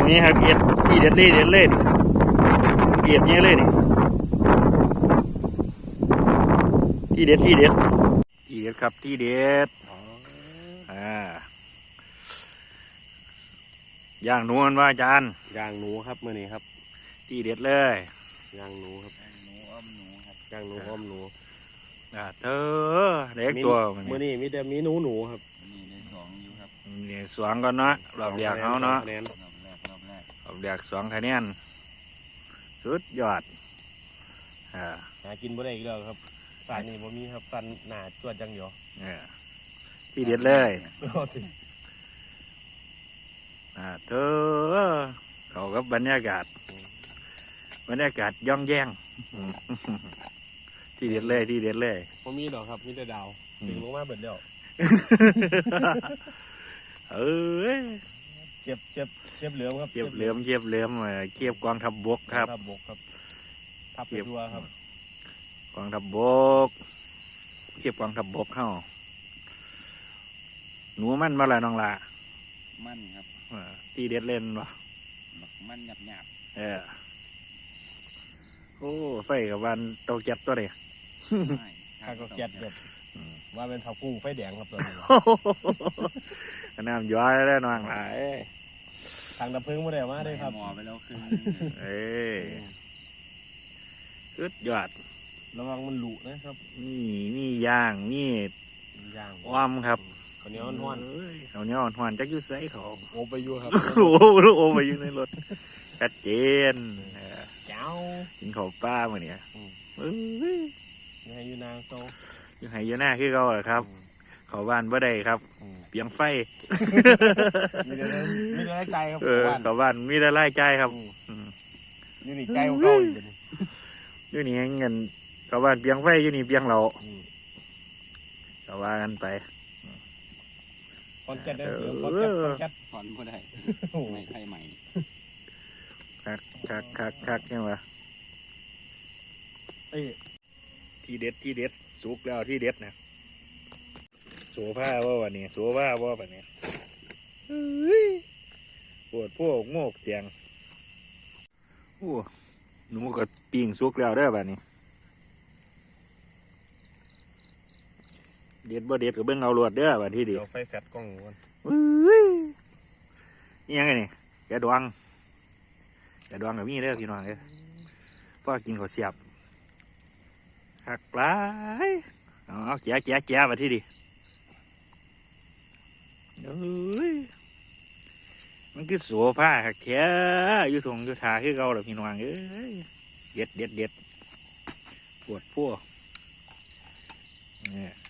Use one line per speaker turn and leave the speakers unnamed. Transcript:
นี้ครับเอียดที่เด็ดเล่เล่นเอียดเนี้ยเลยนี่ที่เด็ดครับที่เด็ดย่างหนูมันว่าอาจารย์
ย่างหนูครับมื้อนี้ครับ
ที่เด็ดเลย
ย่างหนูครับ
ย่างหนูอ้อมหนูครับ
ย่างหนูอ้อมหนู
เธอเด็กตัว
มื้อนี้มีแต่มีหนูครับ
นี่ได้2อยู่ครับ
นี่สวงก่อนเนาะรอบแรกเขาเนาะ
รอบแรก
2 คะแนนสุดยอด
หากินบ่ได้อีกแล้วครับสันนี่บ่มีครับสันหนาจวดจังเดียว
ที่เด็ดเลยเธอเขากับบรรยากาศย่องแย่งที่เด็ดเลย
บ่มีดอกครับมีแต่ดาวถึงลงมาเบิดแล้วเชียบเหลือมครับ
เชียบเหลือมเกียบกองทัพบกครับ
ทับไปทั่วครับ
กองทัพบกเกียบกองทัพบกเข้าหนูมันมาละน้องละ
มันครับ
ตีเด็ดเล่นวะ
มันหยาบ
โอ้ไฟกับวันเตาแก๊สตัวเดีย
ข้าก็แก๊สแบบว่าเป็นเผากุ้งไฟแดงครับตัวนี้
น้ำย้อยแล้วน้องหลาย
ทางดับเพลิงไม่ได้มาได้ครับ
หมอไปแล้วคือ
สุดยอด
ระวังมันหลุนะครับ
มีย่างอ้อมครับ
ข้าวเหนียวห้
อนจักยุ่ใส่เขา
โอไปอยู่ครับ
โอไปอยู่ในรถชัดเจน
เจ้า
กินข้าวป้าเมื่อนี้
ยังให้อยู่นางโต
ยังให้อยู่หน้าคือเขาเหรอครับเขาบ้านบ่ได้ครับเปียงไฟ
มีแต่ไล่ใจครับ
เขาบ้านมีแต่ไล่ใจครับ
อยู่นี่ใจของเขา
อยู่นี่เงินเขาบ้านเปียงไฟอยู่นี่เปียงเราเขาว่ากันไป
คอนแกตได้หรือคอนแกต
ถอนบ่ได้ไม่ใช่ใหม่
คักยังวะที่เด็ดสุกแล้วที่เด็ดนะโซ่ผ้าว่าวันนี้โซ่ผ้าว่าวันนี้ปวดพวกโงกเตียงโอ้หนูก็ปิ้งสุกแล้วได้แบบนี้เด็ดบ่เด็ดก็เบิ่งเอาลวดเด้อแบบที่ดี
ไฟแฟตกล้องก่อน
นี่ยังไงนี่แกดวงกับมีเด้อพี่น้องเด้อพ่อกินข้าวเสียบหักปลายเอาแก่แบบที่ดีมันคือโสผ้าหักแท้อยู่ทงอยู่ทาคือเก่าหรอพี่น้องเด็ดปวดพวกเนี่ย